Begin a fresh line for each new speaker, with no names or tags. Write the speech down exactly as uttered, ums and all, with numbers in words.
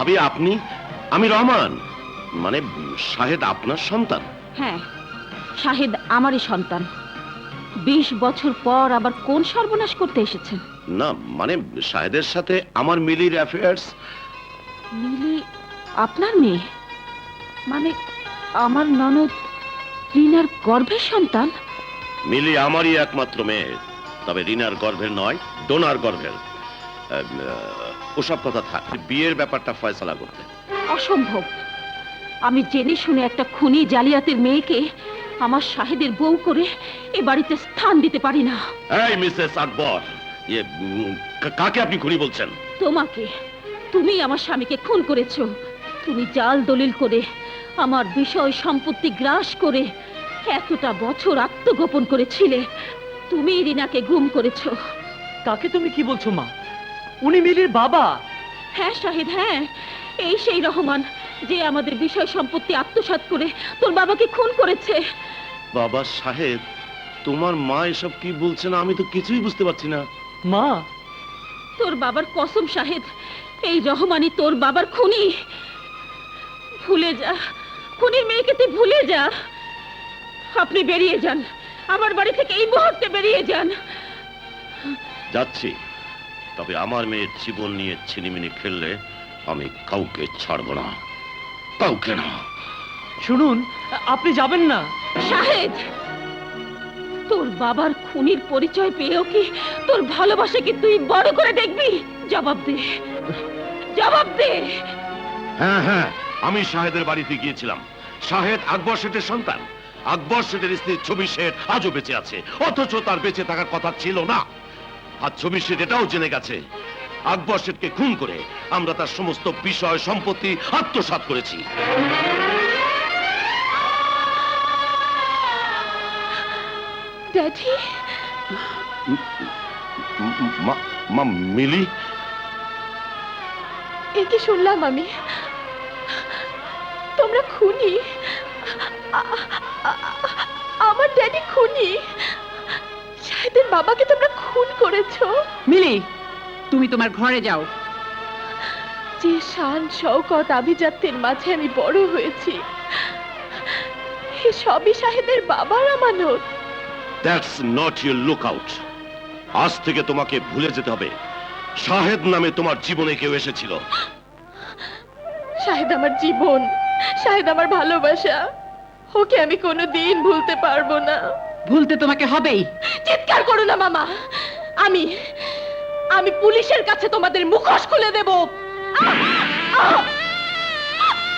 ভাবি আপনি? আমি রহমান, মানে শাহেদ আপনার সন্তান?
হ্যাঁ, শাহেদ আমারই সন্তান। বিশ বছর পর আবার কোন সর্বনাশ করতে এসেছেন?
না মানে শাহেদের সাথে আমার মিলির অ্যাফেয়ার্স।
মিলি আপনার মেয়ে? মানে আমার ননদ রিনার গর্ভের সন্তান?
মিলি আমারই একমাত্র মেয়ে, তবে রিনার গর্ভের নয়, ডোনার গর্ভের। ওসব কথা থাক, বিয়ের ব্যাপারটা ফয়সালা করতে।
অসম্ভব। আমি জেনে শুনে একটা খুনি জালিয়াতের মেয়েকে আমার শাহেদের বউ করে এ বাড়িতে স্থান দিতে পারি না।
এই মিসেস আকবর, ইয়ে উম, কা- কাকে আপনি খুনি বলছেন?
তোমাকে। তুমি আমার স্বামীকে খুন করেছো। তুমি জাল দলিল করে আমার বিষয় সম্পত্তি গ্রাস করে এতটা বছর আত্মগোপন করেছিলে। তুমি রিনাকে গুম করেছো।
কাকে তুমি কি বলছো মা? উনি মিলির বাবা।
হ্যাঁ শাহিদ, হ্যাঁ, এই সেই রহমান যে আমাদের বিষয় সম্পত্তি আত্মসাৎ করে তোর বাবাকে খুন করেছে।
বাবা সাহেব, তোমার মা এসব কি বলছেন? আমি তো কিছুই বুঝতে পারছি না।
মা,
তোর বাবার কসম শাহেদ, এই রহমানই তোর বাবার খুনি। ভুলে যা, খুনির মেয়েকে তুই ভুলে যা। আপনি বেরিয়ে যান, আমার বাড়ি থেকে এই মুহূর্তে বেরিয়ে যান।
যাচ্ছি, তবে আমার মেয়ের জীবন নিয়ে ছিনিমিনি খেললে আমি কাউকে ছাড়বো না, কাউকে না।
শুনুন, আপনি যাবেন না।
শাহেদ, তোর বাবার খুনির পরিচয় পেয়েও কি তোর ভালোবাসাকে তুই বড় করে দেখবি? জবাব দে, জবাব দে।
হ্যাঁ হ্যাঁ, আমি শাহেদের বাড়িতে গিয়েছিলাম। শাহেদ আকবর শেঠের সন্তান। আকবর শেঠের স্ত্রী ছবি শেঠ আজও বেঁচে আছে, অথচ তার বেঁচে থাকার কথা ছিল না। আর ছবি শেঠ এটাও জেনে গেছে আকবর শেঠকে খুন করে আমরা তার সমস্ত বিষয় সম্পত্তি আত্মসাৎ করেছি।
ড্যাডি,
মা- মা মিলি,
এ কি শুনলাম আমি? তোমরা খুনি? আ- আ- আমার ড্যাডি খুনি? শাহেদের বাবাকে তোমরা খুন করেছো?
মিলি, তুমি তোমার ঘরে যাও।
যে শান শওকত আভিজাত্যের মাঝে আমি বড় হয়েছি, এ সবই শাহেদের বাবার আমানত।
দ্যাটস নট ইউর লুক আউট। আজ থেকে তোমাকে ভুলে যেতে হবে শাহেদ নামে তোমার জীবনে কেউ এসেছিল।
শাহেদ আমার জীবন, শাহেদ আমার ভালোবাসা। ওকে আমি কোনোদিন ভুলতে পারবো না।
ভুলতে তোমাকে হবেই।
চিৎকার করো না মামা। আমি আমি পুলিশের কাছে তোমাদের মুখোশ খুলে দেব। আহ! আহ!